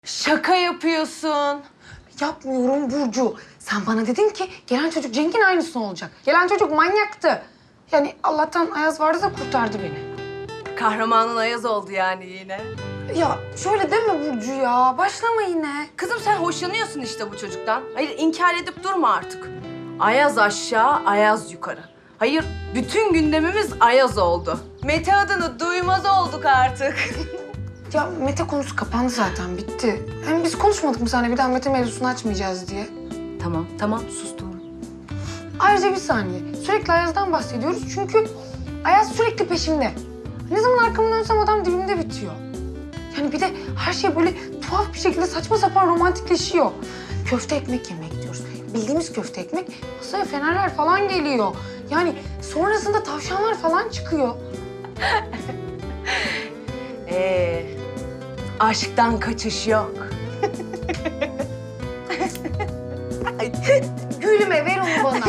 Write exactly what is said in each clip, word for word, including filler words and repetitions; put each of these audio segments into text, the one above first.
Şaka yapıyorsun. Yapmıyorum Burcu. Sen bana dedin ki gelen çocuk Cenk'in aynısı olacak. Gelen çocuk manyaktı. Yani Allah'tan Ayaz vardı da kurtardı beni. Kahramanın Ayaz oldu yani yine. Ya şöyle deme Burcu ya. Başlama yine. Kızım sen hoşlanıyorsun işte bu çocuktan. Hayır inkar edip durma artık. Ayaz aşağı, Ayaz yukarı. Hayır bütün gündemimiz Ayaz oldu. Mete adını duymaz olduk artık. Ya Mete konusu kapandı zaten. Bitti. Hem biz konuşmadık mı seninle bir daha Mete mevzusunu açmayacağız diye. Tamam tamam sustum. Ayrıca bir saniye. Sürekli Ayaz'dan bahsediyoruz çünkü Ayaz sürekli peşimde. Ne zaman arkamı dönsem adam dibimde bitiyor. Yani bir de her şey böyle tuhaf bir şekilde saçma sapan romantikleşiyor. Köfte ekmek yemek diyoruz. Bildiğimiz köfte ekmek, masaya fenerler falan geliyor. Yani sonrasında tavşanlar falan çıkıyor. Ee, aşktan kaçış yok. Gülme, ver onu bana.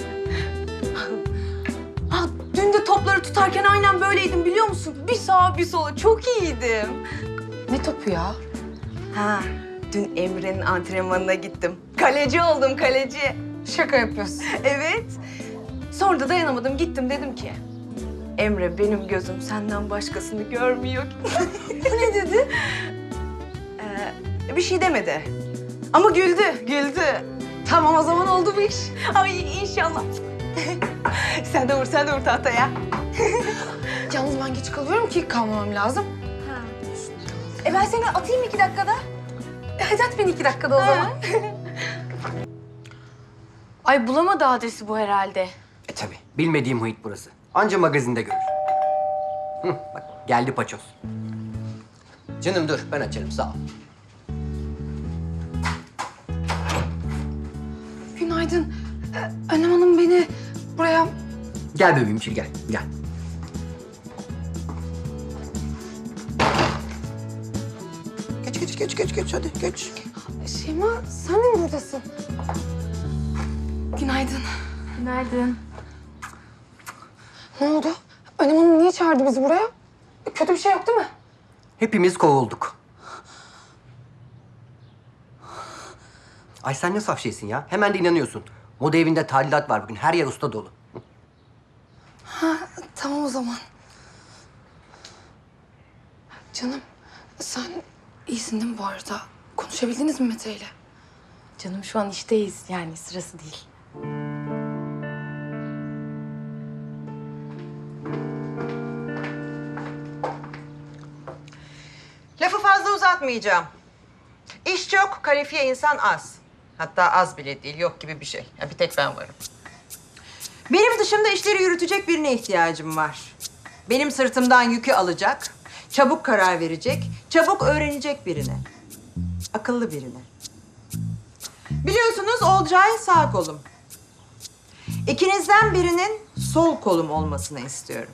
Ah, dün de topları tutarken aynen böyleydim biliyor musun? Bir sağa bir sola çok iyiydim. Ne topu ya? Ha, dün Emre'nin antrenmanına gittim. Kaleci oldum kaleci. Şaka yapıyorsun. Evet. Sonra da dayanamadım gittim dedim ki... Emre benim gözüm senden başkasını görmüyor. Bu ne dedi? Ee, bir şey demedi. Ama güldü, güldü. Tamam o zaman oldu bu iş. Ay inşallah. Sen de vur, sen de vur tahtaya. Yalnız ben geç kalıyorum ki kalmamam lazım. Ha. E ben seni atayım iki dakikada. E hadi at beni iki dakikada o zaman. Ay bulamadı adresi bu herhalde. E tabii. Bilmediğim muhit burası. Anca magazinde görür. Hı, bak geldi paçoz. Canım dur ben açarım sağ ol. Günaydın. Ee, Önem Hanım beni buraya... Gel bebeğim gel gel. Geç geç geç geç geç hadi geç. Şeyma sen de mi buradasın? Günaydın. Günaydın. Ne oldu? Önem Hanım niye çağırdı bizi buraya? Kötü bir şey yok değil mi? Hepimiz kovulduk. Ay sen ne saf şeysin ya. Hemen de inanıyorsun. Moda evinde tadilat var bugün. Her yer usta dolu. Tamam o zaman. Canım sen iyisin değil mi bu arada? Konuşabildiniz mi Mete ile? Canım şu an işteyiz yani sırası değil. Lafı fazla uzatmayacağım. İş çok, kalifiye insan az. Hatta az bile değil, yok gibi bir şey. Ya bir tek ben varım. Benim dışımda işleri yürütecek birine ihtiyacım var. Benim sırtımdan yükü alacak, çabuk karar verecek, çabuk öğrenecek birine. Akıllı birine. Biliyorsunuz Olcay sağ kolum. İkinizden birinin sol kolum olmasını istiyorum.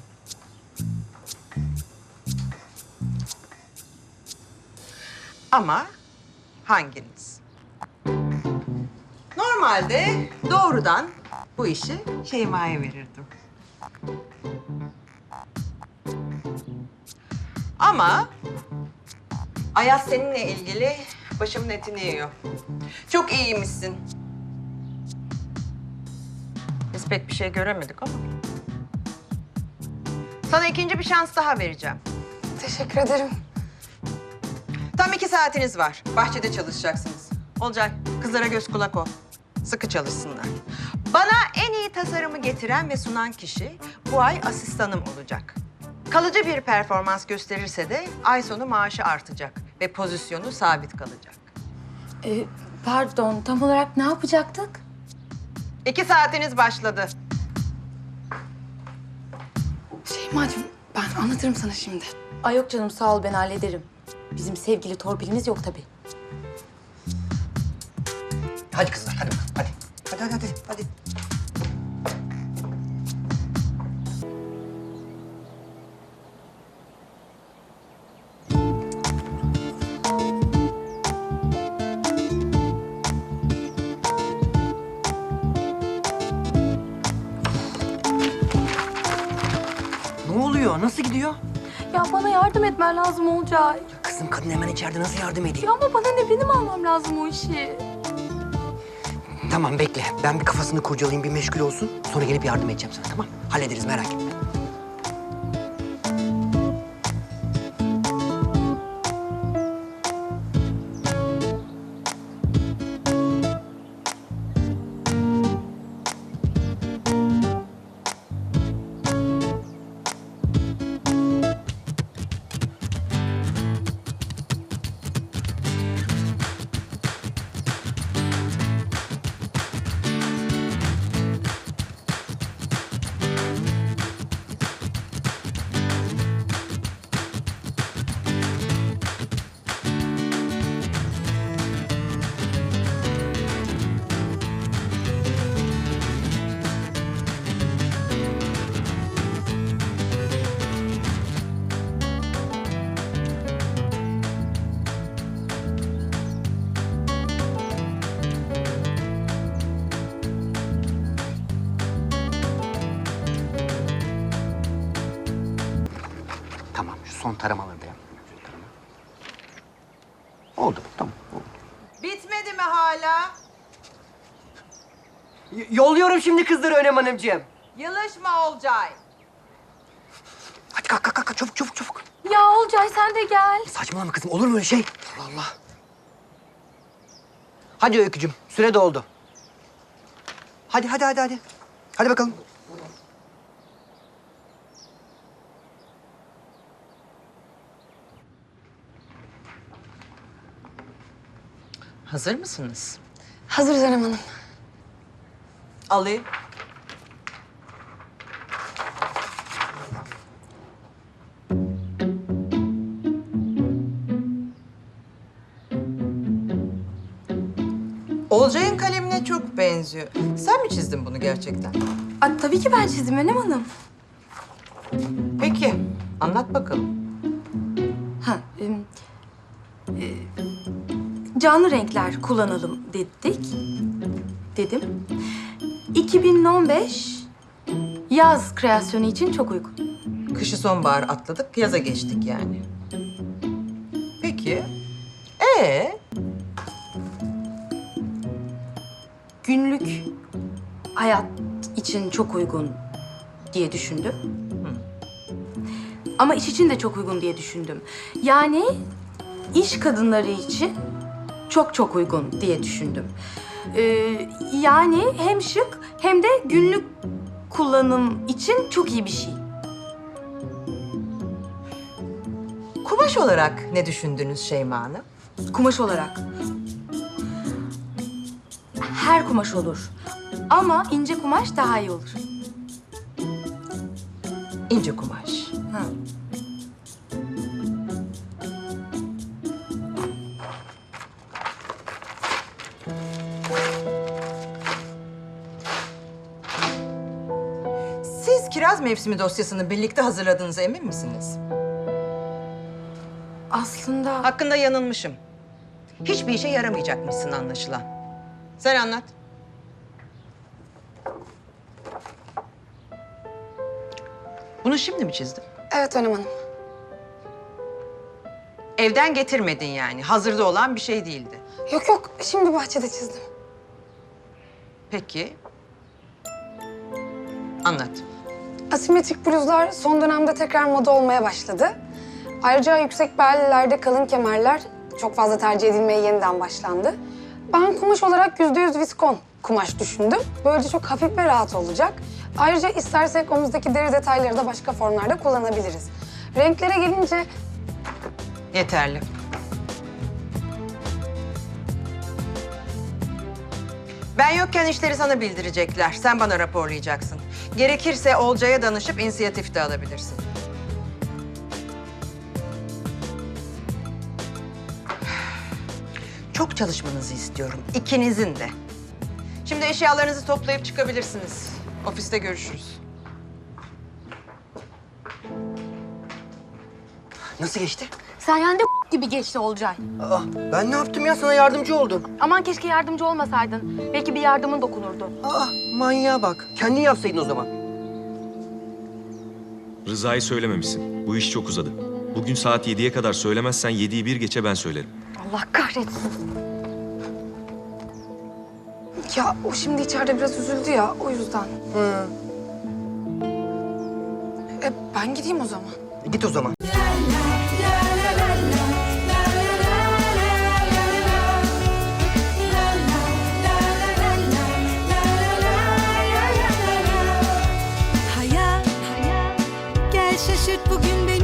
Ama hanginiz? Normalde doğrudan bu işi Şeyma'ya verirdim. Ama Ayaz seninle ilgili başımın etini yiyor. Çok iyiymişsin. Biz pek bir şey göremedik ama. Sana ikinci bir şans daha vereceğim. Teşekkür ederim. Tam iki saatiniz var. Bahçede çalışacaksınız. Olcay, kızlara göz kulak ol. Sıkı çalışsınlar. Bana en iyi tasarımı getiren ve sunan kişi bu ay asistanım olacak. Kalıcı bir performans gösterirse de ay sonu maaşı artacak ve pozisyonu sabit kalacak. Ee, pardon tam olarak ne yapacaktık? İki saatiniz başladı. Şeymacığım ben anlatırım sana şimdi. Ay yok canım sağ ol ben hallederim. Bizim sevgili torpilimiz yok tabii. Hadi kızlar hadi bakalım hadi. Hadi hadi hadi. hadi. Ne oluyor? Nasıl gidiyor? Ya bana yardım etmen lazım Olcay. Kızım Kızım kadın hemen içeride, nasıl yardım edeyim? Ya ama bana ne, benim almam lazım o işi. Tamam bekle. Ben bir kafasını kurcalayayım, bir meşgul olsun. Sonra gelip yardım edeceğim sana, tamam? Hallederiz, merak etme. Tamam, şu son taramaları da yap. Şu tarama. Oldu, tamam. Oldu. Bitmedi mi hala? Y- yolluyorum şimdi kızları Önem Hanımcığım. Yılışma Olcay. Hadi kalk, kalk, kalk. Çabuk, çabuk, çabuk. Ya Olcay sen de gel. Saçmalama kızım, olur mu öyle şey? Allah Allah. Hadi Öykücüğüm, süre doldu. Hadi, hadi, hadi, hadi. Hadi bakalım. Hazır mısınız? Hazırız Önem Hanım. Alayım. Olcay'ın kalemine çok benziyor. Sen mi çizdin bunu gerçekten? Aa, tabii ki ben çizdim Önem Hanım. Peki, anlat bakalım. Ha, em, e, canlı renkler kullanalım dedik. Dedim. iki bin on beş yaz kreasyonu için çok uygun. Kışı sonbahar atladık, yaza geçtik yani. Peki, ee? Günlük hayat için çok uygun diye düşündüm. Ama iş için de çok uygun diye düşündüm. Yani iş kadınları için çok çok uygun diye düşündüm. Ee, yani hem şık hem de günlük kullanım için çok iyi bir şey. Kumaş olarak ne düşündünüz Şeyma Hanım? Kumaş olarak. Her kumaş olur. Ama ince kumaş daha iyi olur. İnce kumaş. Ha. Siz kiraz mevsimi dosyasını birlikte hazırladığınıza emin misiniz? Aslında Hakkında yanılmışım. Hiçbir işe yaramayacakmışsın anlaşılan. Sen anlat. Bunu şimdi mi çizdin? Evet Önem Hanım. Evden getirmedin yani. Hazırda olan bir şey değildi. Yok yok, şimdi bahçede çizdim. Peki. Anlat. Asimetrik bluzlar son dönemde tekrar moda olmaya başladı. Ayrıca yüksek bellilerde kalın kemerler çok fazla tercih edilmeye yeniden başlandı. Ben kumaş olarak yüzde yüz viskon kumaş düşündüm. Böylece çok hafif ve rahat olacak. Ayrıca istersek omuzdaki deri detayları da başka formlarda kullanabiliriz. Renklere gelince Yeterli. Ben yokken işleri sana bildirecekler. Sen bana raporlayacaksın. Gerekirse Olcay'a danışıp inisiyatif de alabilirsin. Çok çalışmanızı istiyorum. İkinizin de. Şimdi eşyalarınızı toplayıp çıkabilirsiniz. Ofiste görüşürüz. Nasıl geçti? sayende gibi geçti Olcay. Aa, ben ne yaptım ya? Sana yardımcı oldum. Aman keşke yardımcı olmasaydın. Belki bir yardımın dokunurdu. Aa, manyağa bak. Kendin yapsaydın o zaman. Rıza'yı söylememişsin. Bu iş çok uzadı. Bugün saat yediye kadar söylemezsen yediyi bir geçe ben söylerim. Allah kahretsin. Ya o şimdi içeride biraz üzüldü ya o yüzden. Hı. E, ben gideyim o zaman. Git o zaman. Hayat, gel şaşırt bugün beni.